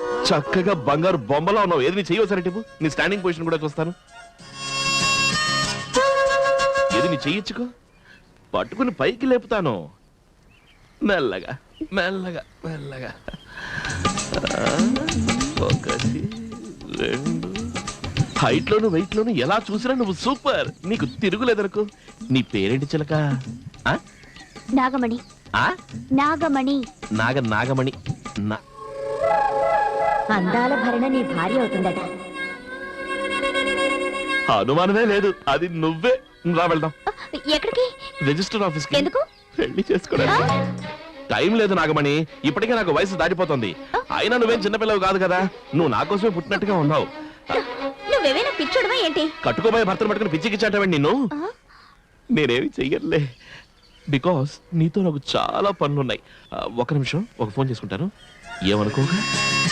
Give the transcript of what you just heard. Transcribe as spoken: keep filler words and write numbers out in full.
చక్కగా బంగారు బొమ్మలా ఉన్నావు. ఏది నీ చెయ్యొసరి టిప్పు, నీ స్టాండింగ్ పొజిషన్ కూడా చూస్తాను. ఏది నీ చెయ్యొచ్చుకో, పట్టుకుని పైకి లేపుతాను. మెల్లగా మెల్లగా మెల్లగా. ఒకటి రెండు. హైట్ లోను వెయిట్ లోను ఎలా చూసినా నువ్వు సూపర్. నీకు తిరుగులేదనుకో. నీ పేరేంటి చిలక? నాగమణి. ఆ నాగమణి. నాగ నాగమణి. అందాల భరణ నీ భార్య అవుతుందట. అనుమానమే లేదు, అది నువ్వే. రా వెళ్దాం. ఎక్కడికి? రిజిస్టర్ ఆఫీస్ కి. ఎందుకు? పెళ్లి చేసుకోవడానికి. టైం లేదు నాగమణి, ఇప్పటికే నాకు వయసు దాటిపోతుంది. అయినా నువ్వేం చిన్నపిల్లవు కాదు కదా, నువ్వు నా కోసమే పుట్టినట్టుగా ఉన్నావు. నువ్వేమైనా పిచ్చోడవా ఏంటి? కట్టుకోబోయే భర్తను పట్టుకుని పిచ్చికిచ్చాటవండి నిన్ను. నేనేమి చెయ్యలే, బికాస్ నీతో నాకు చాలా పనులున్నాయి. ఒక నిమిషం, ఒక ఫోన్ చేసుకుంటాను, ఏమనుకోగా.